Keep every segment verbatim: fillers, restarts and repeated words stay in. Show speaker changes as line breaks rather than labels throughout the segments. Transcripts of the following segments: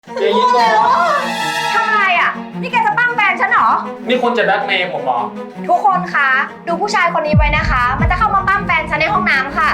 เจยินก่อน
ทำอะไรอ่ะนี่แกจะปั้มแฟนฉันเหรอ
นี่คุณจะแบล็กเมย์ผมเหรอ
ทุกคนคะดูผู้ชายคนนี้ไว้นะคะ มันจะเข้ามาปั้มแฟนฉันในห้องน้ำค่ะ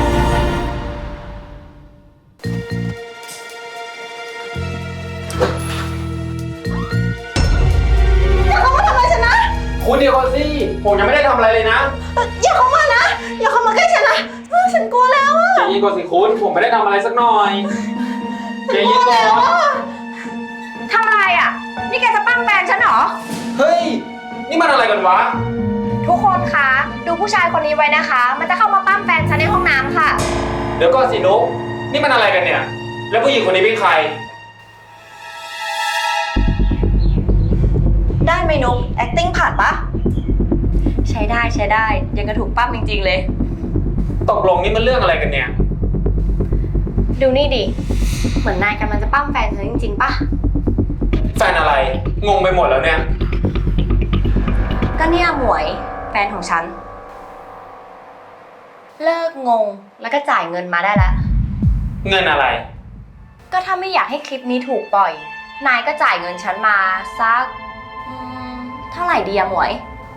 อย่าเข้ามาทำอะไรฉันนะ
คุณเดียวก่อนสิผมยังไม่ได้ทำอะไรเลยนะ
อย่าเข้ามานะอย่าเข้ามาใกล้ฉันนะฉันกลัวแล้วอะ
เจยินก่อนสิคุณผมไม่ได้ทำอะไรสักหน่อยเจยินก่อน
ทำอะไรอ่ะนี่แกจะปั้มแฟนฉันเหรอ
เฮ้ยนี่มันอะไรกันวะ
ทุกคนคะดูผู้ชายคนนี้ไว้นะคะ มันจะเข้ามาปั้มแฟนฉันในห้องน้ำค่ะ
เดี๋ยวก่อนสินุ๊กนี่มันอะไรกันเนี่ยแล้วผู้หญิงคนนี้เป็นใคร
ได้ไหมนุ๊ก acting ผ่านปะใช้ได้ใช้ได้ยังกระถูกปั้มจริงๆเลย
ตกลงนี่มันเรื่องอะไรกันเนี่ย
ดูนี่ดิเหมือนนายกำลังจะปั้มแฟนเธอจริงๆปะ
แฟนอะไรงงไปหมดแล้วเนี่ย
ก็เนี่ยหมวยแฟนของฉันเลิกงงแล้วก็จ่ายเงินมาได้แล้ว
เงินอะไร
ก็ถ้าไม่อยากให้คลิปนี้ถูกปล่อยนายก็จ่ายเงินฉันมาสักเท่าไหร่ดีอะหมวย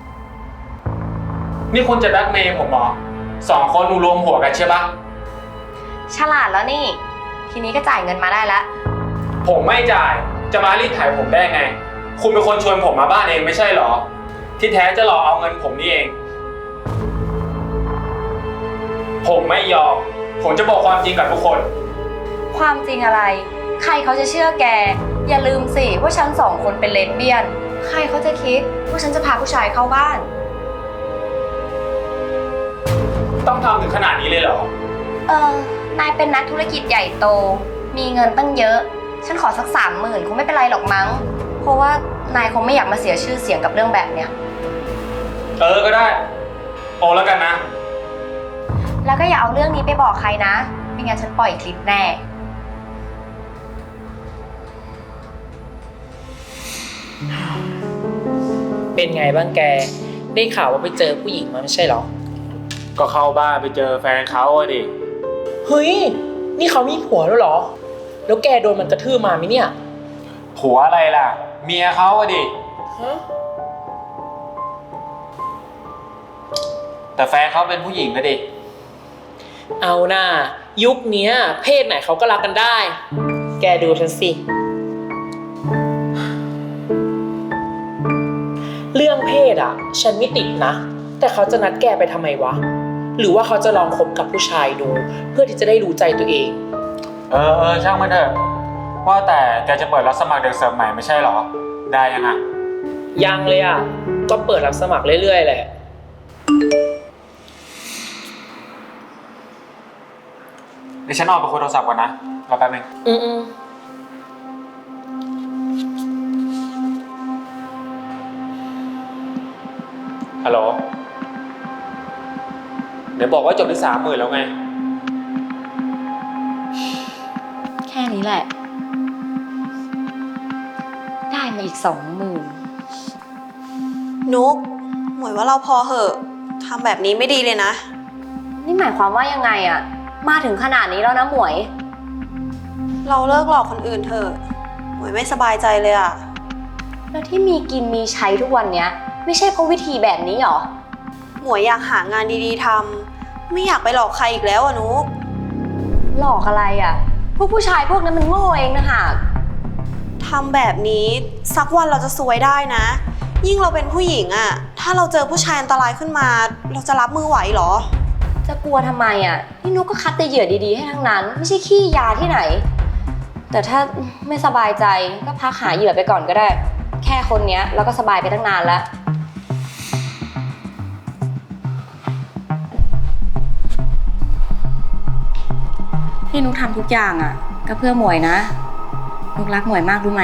นี่คุณจะแบล็กเมย์ผมเหรอสองคนรวมหัวกันใช่ปะ
ฉลาดแล้วนี่ทีนี้ก็จ่ายเงินมาได้แล้ว
ผมไม่จ่ายจะมารีดไถผมได้ไงคุณเป็นคนชวนผมมาบ้านเองไม่ใช่เหรอที่แท้จะหลอกเอาเงินผมนี่เองผมไม่ยอมผมจะบอกความจริงกับทุกคน
ความจริงอะไรใครเขาจะเชื่อแกอย่าลืมสิว่าฉันสองคนเป็นเลสเบี้ยนใครเขาจะคิดว่าฉันจะพาผู้ชายเข้าบ้าน
ต้องทำถึงขนาดนี้เลยเหรอ
เออนายเป็นนักธุรกิจใหญ่โตมีเงินตั้งเยอะฉันขอสักสามหมื่นคงไม่เป็นไรหรอกมั้งเพราะว่านายคงไม่อยากมาเสียชื่อเสียงกับเรื่องแบบเนี้ย
เออก็ได้โอแล้วกันนะ
แล้วก็อย่าเอาเรื่องนี้ไปบอกใครนะไม่งั้นฉันปล่อยคลิปแน่
เป็นไงบ้างแกได้ข่าวว่าไปเจอผู้หญิงมาไม่ใช่หรอ
ก็เข้าบ้านไปเจอแฟนเขาอะดิ
เฮ้ยนี่เขามีผัวแล้วเหรอแล้วแกโดนมันกระทืบมาไหมเนี่ย
ผัวอะไรล่ะเมียเขาอะดิฮะแต่แฟนเขาเป็นผู้หญิงนะดิ
เอาหน้ายุคนี้เพศไหนเขาก็รักกันได้แกดูฉันสิเรื่องเพศอ่ะฉันไม่ติดนะแต่เขาจะนัดแกไปทำไมวะหรือว่าเขาจะลองคบกับผู้ชายดูเพื่อที่จะได้รู้ใจตัวเอง
เออเออช่างมันเถอะว่าแต่แกจะเปิดรับสมัครเด็กเสิร์ฟใหม่ไม่ใช่หรอได้ยังอ่ะ
ยังเลยอ่ะก็เปิดรับสมัครเรื่อยๆแหละ
เดี๋ยวฉันออกไปคุยโทรศัพท์ก่อนนะรอแป๊บนึง
อืมอืม
ฮัลโหลเดี๋ยวบอกว่าจบที่สามหมื่นแล้วไง
แค่นี้แหละได้มาอีกสองหมื่น
นุกหมวยว่าเราพอเหอะทำแบบนี้ไม่ดีเลยนะ
นี่หมายความว่ายังไงอะมาถึงขนาดนี้แล้วนะหมวย
เราเลิกหลอกคนอื่นเถอะหมวยไม่สบายใจเลยอะ
แล้วที่มีกินมีใช้ทุกวันเนี้ยไม่ใช่เพราะวิธีแบบนี้หรอ
หมวยอยากหางานดีๆทำไม่อยากไปหลอกใครอีกแล้วอะนุก
หลอกอะไรอะพวกผู้ชายพวกนั้นมันโง่เองนะฮะ
ทำแบบนี้สักวันเราจะซวยได้นะยิ่งเราเป็นผู้หญิงอะถ้าเราเจอผู้ชายอันตรายขึ้นมาเราจะรับมือไหวหรอ
จะกลัวทำไมอะนี่นุกก็คัดแต่เหยื่อดีๆให้ทั้งนั้นไม่ใช่ขี้ยาที่ไหนแต่ถ้าไม่สบายใจก็พักหาเหยื่อไปก่อนก็ได้แค่คนเนี้ยเราก็สบายไปตั้งนานแล้วที่นุกทำทุกอย่างอ่ะก็เพื่อหมวยนะนุกรักหมวยมากรู้ไหม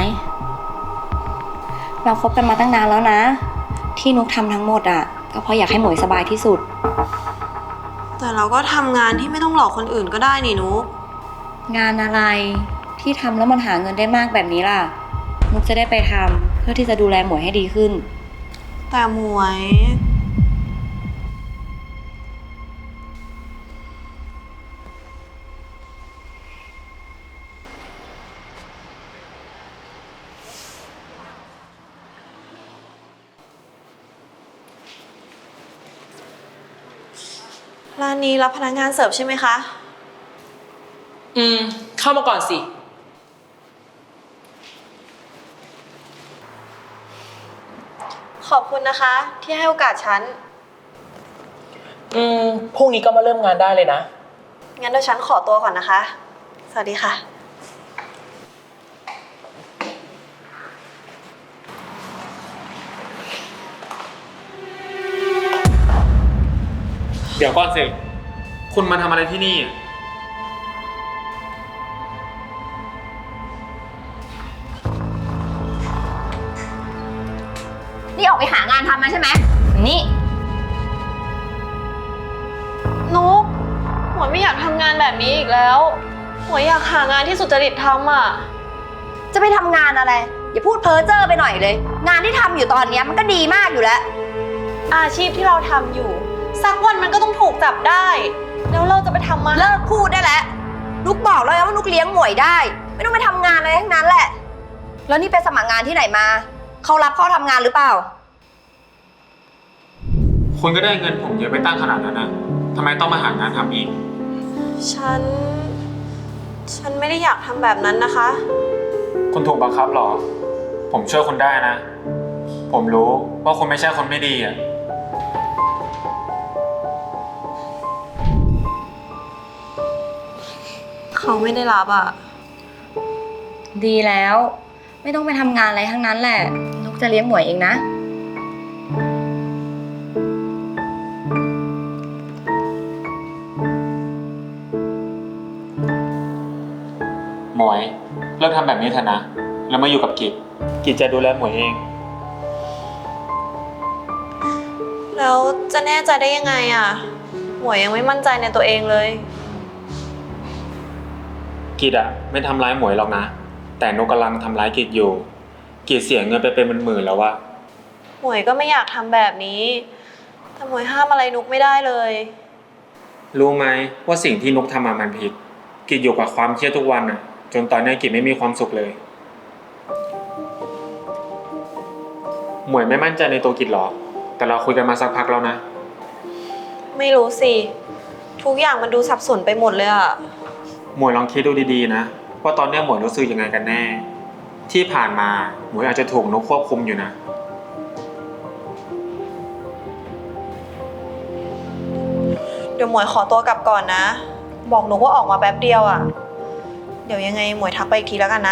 เราคบกันมาตั้งนานแล้วนะที่นุกทำทั้งหมดอ่ะก็เพราะอยากให้หมวยสบายที่สุด
แต่เราก็ทำงานที่ไม่ต้องหลอกคนอื่นก็ได้นี่นุก
งานอะไรที่ทำแล้วมันหาเงินได้มากแบบนี้ล่ะนุกจะได้ไปทำเพื่อที่จะดูแลหมวยให้ดีขึ้น
แต่หมวยร้านนี้รับพนักงานเสิร์ฟใช่ไหมคะ
อืม เข้ามาก่อนสิ
ขอบคุณนะคะ ที่ให้โอกาสฉัน
อืม พรุ่งนี้ก็มาเริ่มงานได้เลยนะ
งั้นเดี๋ยวฉันขอตัวก่อนนะคะ สวัสดีค่ะ
เดี๋ยวก่อนสิ คุณมาทำอะไรที่นี่
นี่ออกไปหางานทำมาใช่ไหมนี่
นุกหมวยไม่อยากทำงานแบบนี้อีกแล้วหมวยอยากหางานที่สุจริตทำอ่ะ
จะไปทำงานอะไร อย่าพูดเพ้อเจ้อไปหน่อยเลย งานที่ทำอยู่ตอนนี้มันก็ดีมากอยู่แล้ว
อาชีพที่เราทำอยู่ สักวันมันก็ต้องถูกจับได้ แล้วเราจะไปทำมา
เลิกพูดได้แล้วนุกบอกแล้วว่านุกเลี้ยงหมวยได้ ไม่ต้องไปทำงานอะไรทั้งนั้นแหละ แล้วนี่ไปสมัครงานที่ไหนมา เขารับเข้าทำงานหรือเปล่า
คุณก็ได้เงินผมเยอะไปตั้งขนาดนั้นนะทำไมต้องมาหางานทำอีก
ฉัน ฉันไม่ได้อยากทำแบบนั้นนะคะ
คุณถูกบังคับเหรอ ผมช่วยคุณได้นะ ผมรู้ว่าคุณไม่ใช่คนไม่ดีอ่ะ
เขาไม่ได้รับอ่ะ
ดีแล้ว ไม่ต้องไปทำงานอะไรทั้งนั้นแหละ นุกจะเลี้ยงหมวยเองนะ
หมวยเลิกทำแบบนี้เถอะนะ แล้วมาอยู่กับกิจ กิจจะดูแลหมวยเอง
แล้วจะแน่ใจได้ยังไงอ่ะหมวยยังไม่มั่นใจในตัวเองเลย
กิจอะไม่ทำร้ายหมวยหรอกนะ แต่นกกำลังทำร้ายกิจอยู่ กิจเสียเงินไปเป็นหมื่นๆแล้ววะ
หมวยก็ไม่อยากทำแบบนี้ แต่หมวยห้ามอะไรนุกไม่ได้เลย
รู้ไหมว่าสิ่งที่นกทำมามันผิด กิจอยู่กับความเครียดทุกวันอะจนตอนนี้กิจไม่มีความสุขเลย หมวยไม่มั่นใจในตัวกิจหรอ แต่เราคุยกันมาสักพักแล้วนะ
ไม่รู้สิ ทุกอย่างมันดูสับสนไปหมดเลยอ่ะ
หมวยลองคิดดูดีๆนะว่าตอนนี้หมวยรู้สึกยังไงกันแน่ ที่ผ่านมาหมวยอาจจะถูกนกควบคุมอยู่นะ
เดี๋ยวหมวยขอตัวกลับก่อนนะ บอกนุกว่าออกมาแป๊บเดียวอ่ะ เดี๋ยวยังไงหมวยทักไปอีกทีแล้วกันนะ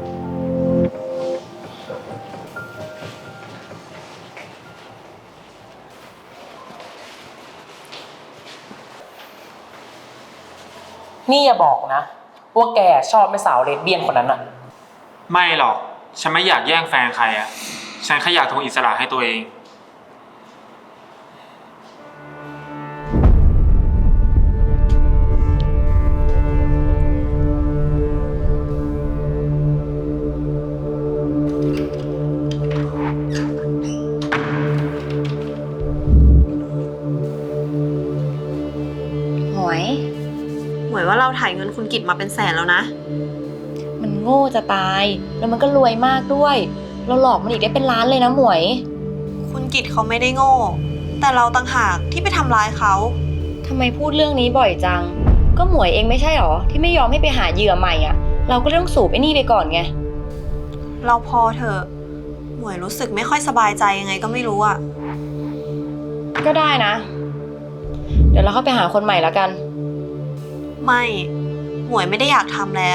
นี่อย่าบอกนะ ว่าแกชอบแม่สาวเลสเบี้ยนคนนั้นอะ
ไม่หรอก ฉันไม่อยากแย่งแฟนใครอะฉันแค่อยากทวงอิสระให้ตัวเอง
หมวย
หมวยว่าเราถ่ายเงินคุณกิตมาเป็นแสนแล้วนะ
มันโง่จะตาย แล้วมันก็รวยมากด้วย เราหลอกมันอีกได้เป็นล้านเลยนะหมวย
คุณกิตเขาไม่ได้โง่ แต่เราต่างหากที่ไปทำร้ายเขา
ทำไมพูดเรื่องนี้บ่อยจัง ก็หมวยเองไม่ใช่หรอ ที่ไม่ยอมให้ไปหาเหยื่อใหม่อ่ะ เราก็ต้องสูบไอ้นี่ไปก่อนไง
เราพอเถอะ หมวยรู้สึกไม่ค่อยสบายใจยังไงก็ไม่รู้อะ
ก็ได้นะ เดี๋ยวเราเข้าไปหาคนใหม่แล้วกัน
ไม่ หมวยไม่ได้อยากทำแล้ว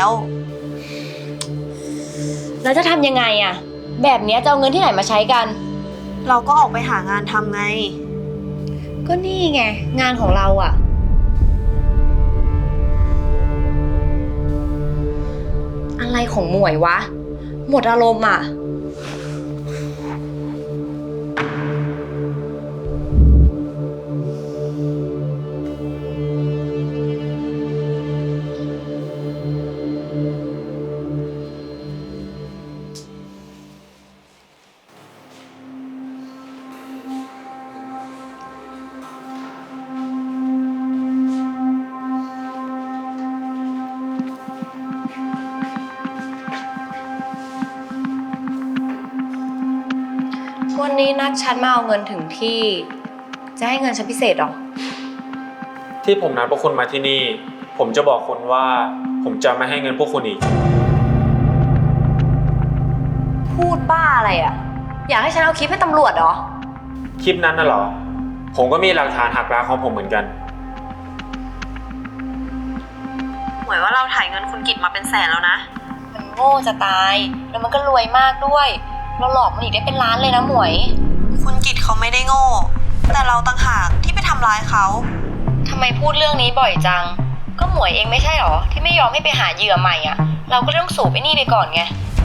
แล้วจะทำยังไงอ่ะ แบบเนี้ยจะเอาเงินที่ไหนมาใช้กัน
เราก็ออกไปหางานทำไง
ก็นี่ไง งานของเราอ่ะ อะไรของหมวยวะ หมดอารมณ์อ่ะ วันนี้นัดฉันมาเอาเงินถึงที่ จะให้เงินฉันพิเศษหรอ
ที่ผมนัดพวกคุณมาที่นี่ ผมจะบอกคุณว่าผมจะไม่ให้เงินพวกคุณอีก
พูดบ้าอะไรอ่ะ อยากให้ฉันเอาคลิปให้ตำรวจเหรอ
คลิปนั้นน่ะเหรอ ผมก็มีหลักฐานหักล้างของผมเหมือนกัน
หมวยว่าเราถ่ายเงินคุณกิตมาเป็นแสนแล้วนะ
มันโง่จะตาย แล้วมันก็รวยมากด้วย เราหลอกมันอีกได้เป็นล้านเลยนะหมวย
คุณกิตเขาไม่ได้โง่ แต่เราต่างหากที่ไปทำร้ายเขา
ทำไมพูดเรื่องนี้บ่อยจัง ก็หมวยเองไม่ใช่หรอ ที่ไม่ยอมให้ไปหาเหยื่อใหม่อ่ะ เราก็ต้องสูบไอ้นี่ไปก่อนไง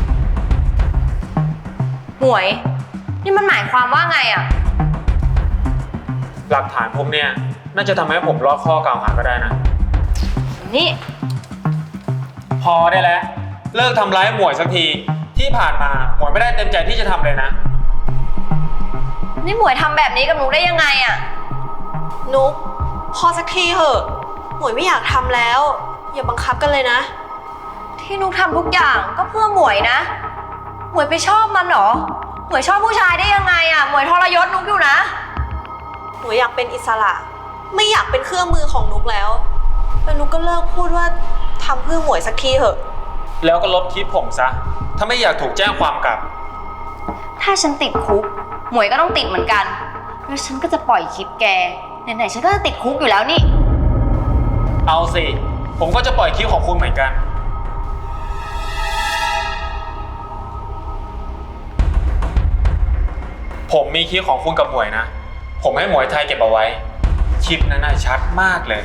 หมวย นี่มันหมายความว่าไงอ่ะ
หลักฐานพวกเนี้ยน่าจะทำให้ผมรอดข้อกล่าวหาก็ได้นะ
นี่
พอได้แล้ว เลิกทำร้ายหมวยสักที ที่ผ่านมาหมวยไม่ได้เต็มใจที่จะทำเลยนะ
นี่หมวยทำแบบนี้กับหนูได้ยังไงอ่ะ
นุ๊กพอสักทีเหอะ หมวยไม่อยากทำแล้ว อย่าบังคับกันเลยนะ
ที่นุกทำทุกอย่างก็เพื่อหมวยนะ หมวยไปชอบมันเหรอ หมวยชอบผู้ชายได้ยังไงอ่ะ หมวยทรยศนุกอยู่นะ
หมวยอยากเป็นอิสระ ไม่อยากเป็นเครื่องมือของนุ๊กแล้วแล้วนุ๊กก็เลิกพูดว่าทำเพื่อหมวยสักทีเหอะ
แล้วก็ลบคลิปผมซะ ถ้าไม่อยากถูกแจ้งความกลับ
ถ้าฉันติดคุก หมวยก็ต้องติดเหมือนกัน แล้วฉันก็จะปล่อยคลิปแก ไหนๆฉันก็จะติดคุกอยู่แล้วนี่
เอาสิ ผมก็จะปล่อยคลิปของคุณเหมือนกัน ผมมีคลิปของคุณกับหมวยนะ ผมให้หมวยไทยเก็บเอาไว้ คลิปนั้นน่ะชัดมากเลย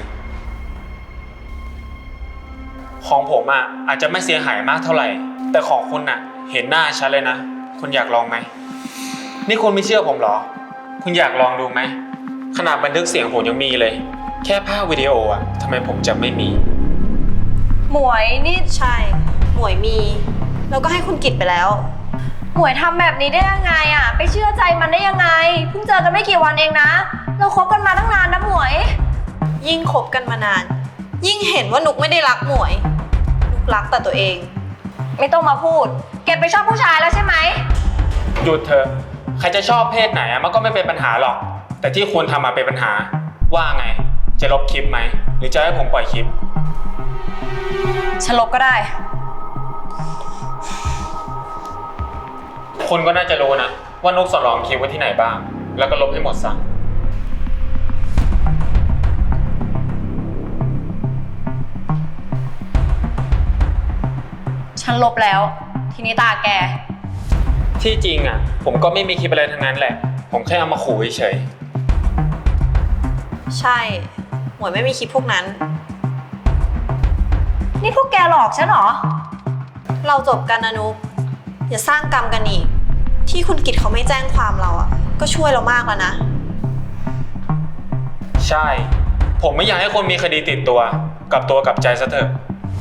ของผมอ่ะอาจจะไม่เสียหายมากเท่าไหร่ แต่ของคุณน่ะเห็นหน้าชัดเลยนะ คุณอยากลองไหม นี่คุณไม่เชื่อผมเหรอ คุณอยากลองดูไหม ขนาดบันทึกเสียงผมยังมีเลย แค่ภาพวิดีโออ่ะทำไมผมจะไม่มี
หมวยนี่
ใช่ หมวยมี แล้วก็ให้คุณกิตไปแล้ว
หมวยทำแบบนี้ได้ยังไงอ่ะ ไปเชื่อใจมันได้ยังไง เพิ่งเจอกันไม่กี่วันเองนะ เราคบกันมาตั้งนานนะหมวย
ยิ่งคบกันมานาน ยิ่งเห็นว่านุกไม่ได้รักหมวย นุกรักแต่ตัวเอง
ไม่ต้องมาพูด เก็บไปชอบผู้ชายแล้วใช่ไหม
หยุดเถอะ ใครจะชอบเพศไหนอะมันก็ไม่เป็นปัญหาหรอก แต่ที่คุณทำมาเป็นปัญหา ว่าไง จะลบคลิปไหม หรือจะให้ผมปล่อยคลิป
ฉันลบก็ได้
คุณก็น่าจะรู้นะ ว่านุกสำรองคลิปไว้ที่ไหนบ้าง แล้วก็ลบให้หมดซะ
ฉันลบแล้ว ทีนี้ตาแก
ที่จริงอ่ะ ผมก็ไม่มีคลิปอะไรทั้งนั้นแหละ ผมแค่เอามาขู่เฉย
ใช่ หมวยไม่มีคลิปพวกนั้น
นี่พวกแกหลอกฉันเหรอ
เราจบกันนะนุกอย่าสร้างกรรมกันอีก ที่คุณกิตเขาไม่แจ้งความเราอ่ะ ก็ช่วยเรามากแล้วนะ
ใช่ ผมไม่อยากให้คนมีคดีติดตัว กลับตัวกลับใจซะเถอะ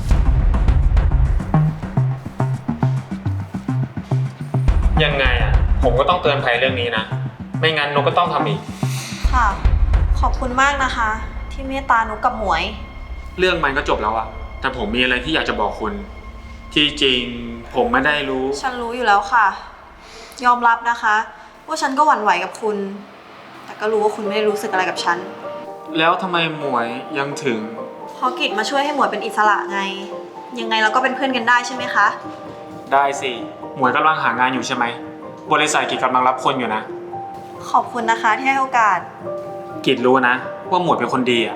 ยังไงอ่ะ ผมก็ต้องเตือนภัยเรื่องนี้นะ ไม่งั้นนุกก็ต้องทำอีก
ค่ะ ขอบคุณมากนะคะ ที่เมตตานุกกับหมวย
เรื่องมันก็จบแล้วอะแต่ผมมีอะไรที่อยากจะบอกคุณ ที่จริงผมไม่ได้รู้
ฉันรู้อยู่แล้วค่ะ ยอมรับนะคะ ว่าฉันก็หวั่นไหวกับคุณ แต่ก็รู้ว่าคุณไม่ได้รู้สึกอะไรกับฉัน
แล้วทำไมหมวยยังถึง
เพราะกิจมาช่วยให้หมวยเป็นอิสระไง ยังไงเราก็เป็นเพื่อนกันได้ใช่ไหมคะ
ได้สิ หมวยกำลังหางานอยู่ใช่ไหม บริษัทกิจกำลังรับคนอยู่นะ
ขอบคุณนะคะที่ให้โอกาส
กิจรู้นะ ว่าหมวยเป็นคนดีอะ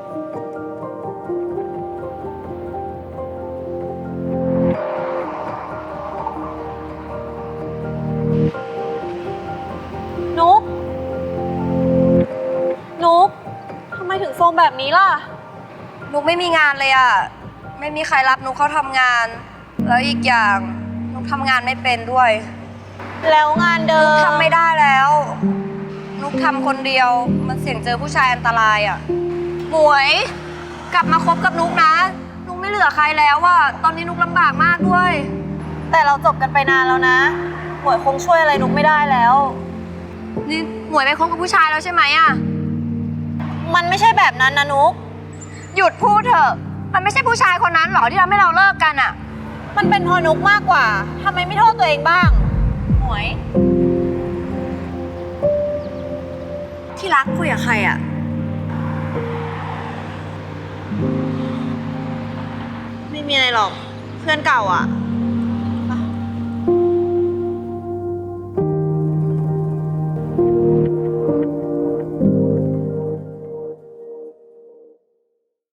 นุกนุกทำไมถึงโซมแบบนี้ล่ะ
นุกไม่มีงานเลยอ่ะ ไม่มีใครรับนุกเข้าทำงาน แล้วอีกอย่างนุกทำงานไม่เป็นด้วย
แล้วงานเดิม
ทำไม่ได้แล้ว นุกทำคนเดียว มันเสี่ยงเจอผู้ชายอันตรายอ่ะ หมวย กลับมาคบกับนุกนะ นุกไม่เหลือใครแล้วอ่ะ ตอนนี้นุกลำบากมากด้วย
แต่เราจบกันไปนานแล้วนะ หมวยคงช่วยอะไรนุกไม่ได้แล้ว
นี่หมวยไปคบกับผู้ชายแล้วใช่ไหมอ่ะ
มันไม่ใช่แบบนั้นนะนุก
หยุดพูดเถอะ มันไม่ใช่ผู้ชายคนนั้นหรอที่ทำให้เราเลิกกันอ่ะ
มันเป็นเพอนุกมากกว่าทำไมไม่โทษตัวเองบ้าง หมวย
ที่รักคุยกับใครอ่ะ
ไม่มีอะไรหรอก เพื่อนเก่าอ่ะ